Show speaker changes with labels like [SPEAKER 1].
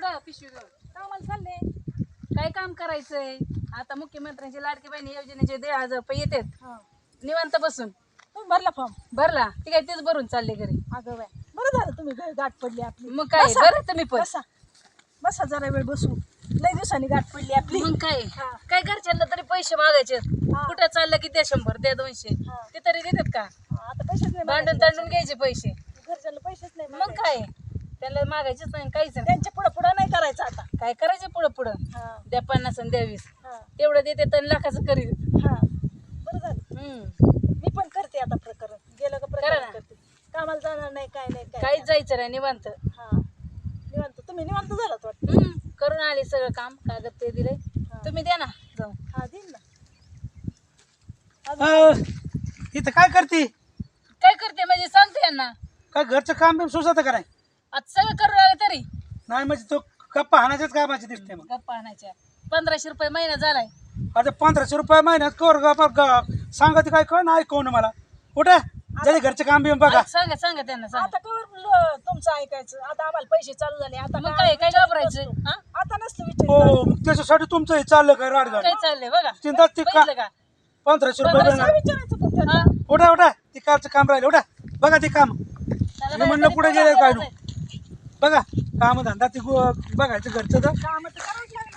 [SPEAKER 1] कुठं पिशवी घेऊन
[SPEAKER 2] कामाला चालले.
[SPEAKER 1] काय काम करायचंय आता मुख्यमंत्र्यांची लाडकी बहिणी योजनेचे 1,500 रुपये येतात
[SPEAKER 2] हा
[SPEAKER 1] निवांत बसून
[SPEAKER 2] तुम्ही भरला फॉर्म.
[SPEAKER 1] भरला ती काय तेच भरून चालले घरी
[SPEAKER 2] अगं बाय बरं झालं तुम्ही गाठ पडली आपली.
[SPEAKER 1] मग काय
[SPEAKER 2] बसा.
[SPEAKER 1] बरं तुम्ही पण
[SPEAKER 2] बसा बसा जरा वेळ बसू. लय दिवसांनी गाठ पडली आपली.
[SPEAKER 1] मग काय
[SPEAKER 2] हा.
[SPEAKER 1] काय घरच्यांना तरी पैसे मागायचे
[SPEAKER 2] हा.
[SPEAKER 1] कुठं चाललं की द्या 100 द्या 200
[SPEAKER 2] हा.
[SPEAKER 1] ते तरी देतात का
[SPEAKER 2] आता पैसेच नाही
[SPEAKER 1] भांडून
[SPEAKER 2] मागायचे.
[SPEAKER 1] तांडून घ्यायचे पैसे
[SPEAKER 2] घरच्यांना पैसेच नाही
[SPEAKER 1] मग
[SPEAKER 2] मागायचे.
[SPEAKER 1] काय त्यांना मागायचेच नाही काहीच नाही
[SPEAKER 2] त्यांच्या पुढं पुढं नाही करायचं आता.
[SPEAKER 1] काय करायचं पुढं पुढं
[SPEAKER 2] हा
[SPEAKER 1] द्या 50 आणि द्या 20
[SPEAKER 2] हा
[SPEAKER 1] तेवढं देते तर लाखाचं करी
[SPEAKER 2] हा बरं झालं. मी पण करते आता प्रकरण. गेलं का
[SPEAKER 1] करा
[SPEAKER 2] प्रकरण
[SPEAKER 1] ना.
[SPEAKER 2] करते. कामाला जाणार नाही काय नाही काय
[SPEAKER 1] काहीच जायचं नाही निवांत
[SPEAKER 2] हा निवांत. तुम्ही निवांत झालात वाटतं.
[SPEAKER 1] करून आले सगळं काम कागद ते दिले तुम्ही द्या ना जाऊन
[SPEAKER 2] हा देईन ना.
[SPEAKER 3] इथं काय करते?
[SPEAKER 1] काय करते म्हणजे सांगते यांना
[SPEAKER 3] काय घरचं काम बिम सुचत का नाही?
[SPEAKER 1] आता सगळं करून आलं तरी
[SPEAKER 3] नाही म्हणजे तो गप्पा हाणाच्याच कामाची दिसते मग.
[SPEAKER 1] गप्पा आणायच्या 1500 रुपये महिना झालाय
[SPEAKER 3] आता 1500 रुपये महिन्यात कर सांगते काय कळ ना ऐकवून मला कुठे जरी घरचं काम बिम बघा.
[SPEAKER 1] सांगा सांगा त्यांना सांगा
[SPEAKER 2] आता कवर तुमचं ऐकायचं. आता आम्हाला पैसे चालू झाले. आता
[SPEAKER 1] मग काय काय घाबरायचं हा?
[SPEAKER 2] आता नसतं विचार.
[SPEAKER 3] हो मग त्याच्यासाठी तुमचं हे चाललं काय राडगाड
[SPEAKER 1] काय चाललंय बघा
[SPEAKER 3] चिंता ती का
[SPEAKER 1] बघितलं का
[SPEAKER 3] 1500 रुपये
[SPEAKER 2] काय
[SPEAKER 3] मिळणार.
[SPEAKER 2] विचारायचं होतं त्यांना?
[SPEAKER 1] हा?
[SPEAKER 3] उठा उठा ती कारचं काम राहिलं उठा बघा ते काम.
[SPEAKER 1] त्याला
[SPEAKER 3] मी म्हणलं
[SPEAKER 1] बाहेर
[SPEAKER 3] पुढे
[SPEAKER 1] तरी
[SPEAKER 3] गेलं काय
[SPEAKER 1] कोण
[SPEAKER 3] बघा काम धंदा ती बघायचं घरचं तर
[SPEAKER 2] कामं तर करावंच लागणार.